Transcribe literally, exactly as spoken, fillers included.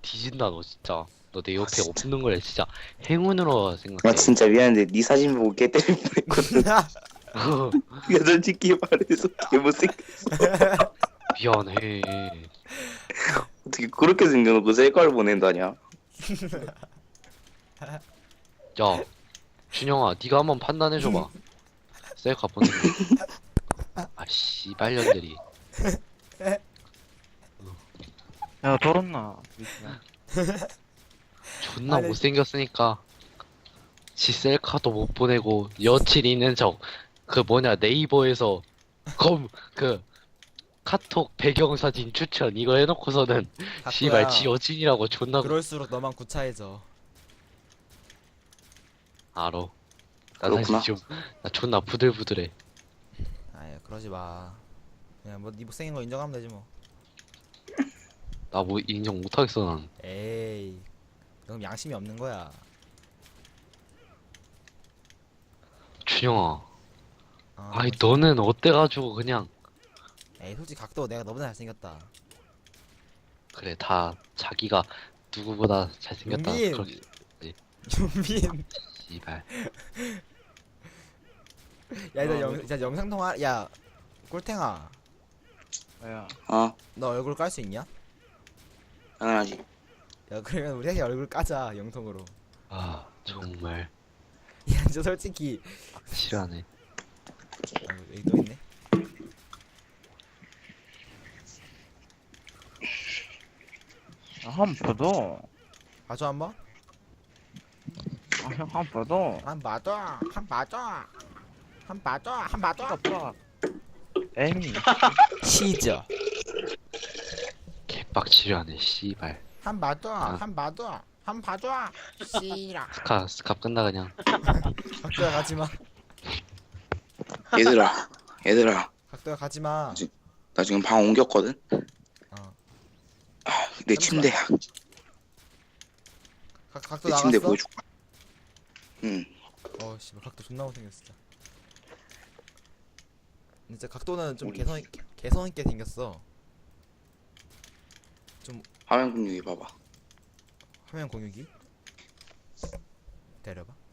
뒤진다 너 진짜. 너 내 옆에 없는 걸 진짜 행운으로 생각해. 나 진짜 미안한데 네 사진 보고 개 때릴 뻔했거든. 야 솔직히 말해서 개 못생겼어. 미안해. 어떻게 그렇게 생겨놓고 셀카를 보낸다냐? 야 준영아 네가 한번 판단해줘봐. 셀카 보낸 거. 아 씨발년들이. 야 더럽나 미친아. 존나 아니. 못생겼으니까 지 셀카도 못 보내고 여친 있는 척 그 뭐냐 네이버에서 검 그 카톡 배경사진 추천 이거 해놓고서는 씨발 지 여친이라고 존나 그럴수록 너만 구차해져. 알아. 나 그렇구나. 사실 지금 나 존나 부들부들해. 아유 그러지 마. 그냥 뭐네 못생긴 거 인정하면 되지 뭐. 나 뭐 인정 못하겠어 난. 에이 그럼 양심이 없는 거야. 준영아 어, 아이 너는 어때가지고 그냥 에이 솔직히 각도 내가 너보다 잘생겼다. 그래 다 자기가 누구보다 잘생겼다 윤빈! 그렇게 윤빈. 씨발. 야너 어, 영, 진짜 영상 통화. 야 꿀탱아. 야 어 너 얼굴 깔 수 있냐? 당연하지. 야 그러면 우리 셋이 얼굴 까자 영통으로. 아 정말 야 저 솔직히. 싫어하네. 어, 여기 또 있네. 한 번 봐도 봐줘 한번. 아형 한 번 봐도 한 봐줘. 한 봐줘. 한 봐줘. 한 봐줘. 아빠 에미 시저. 개빡치려하네 씨발. 한 봐줘. 아. 한 봐줘. 한 봐줘. 씨라. 스카 스캅 끝나 그냥. 각도야 가지마. 얘들아 얘들아 각도야 가지마. 나 지금 방 옮겼거든. 어. 내 침대야. 각 각도 내 나갔어? 침대 보여줄까? 응. 어 씨발 각도 존나 못생겼어 진짜. 진짜 각도는 좀 우리- 개성 있- 개성 있게 생겼어. 화면 공유기 봐봐. 화면 공유기. 데려봐.